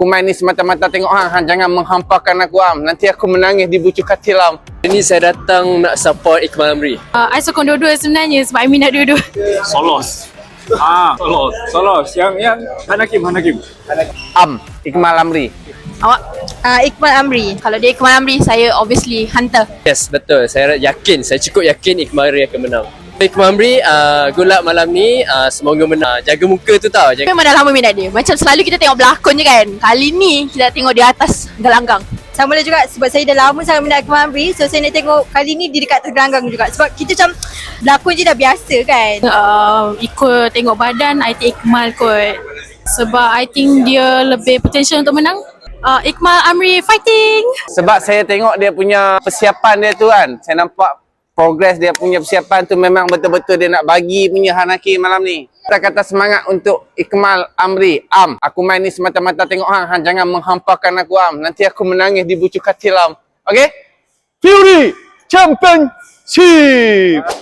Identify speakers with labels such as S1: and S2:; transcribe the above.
S1: Aku main ni semata-mata tengok hang jangan menghampakan aku Am. Nanti aku menangis di bucu katil Am.
S2: Ini saya datang nak support Iqmal Amri.
S3: I sokong dua-dua sebenarnya sebab I minat dua-dua.
S4: Solos. Solos. Yang Hanakim.
S1: Am, Iqmal Amri.
S3: Awak? Iqmal Amri. Kalau dia Iqmal Amri, saya obviously Hunter.
S2: Yes, betul. Saya cukup yakin Iqmal Amri akan menang. Iqmal Amri, good luck malam ni. Semoga menang. Jaga muka tu tau.
S3: Memang dah lama minat dia. Macam selalu kita tengok berlakon je kan. Kali ni kita tengok di atas gelanggang.
S5: Sama lah juga sebab saya dah lama sangat minat Iqmal Amri. So saya nak tengok kali ni di dekat gelanggang juga. Sebab kita macam berlakon je dah biasa kan.
S3: Ikut tengok badan, I think Iqmal kot. Sebab I think dia lebih potential untuk menang. Iqmal Amri fighting!
S1: Sebab saya tengok dia punya persiapan dia tu kan. Saya nampak progres dia punya persiapan tu memang betul-betul dia nak bagi punya Hanakim malam ni. Kata-kata semangat untuk Iqmal Amri. Am, aku main ni semata-mata tengok hang jangan menghampakan aku Am. Nanti aku menangis di bucu katil Am. Okay? Fury Championship!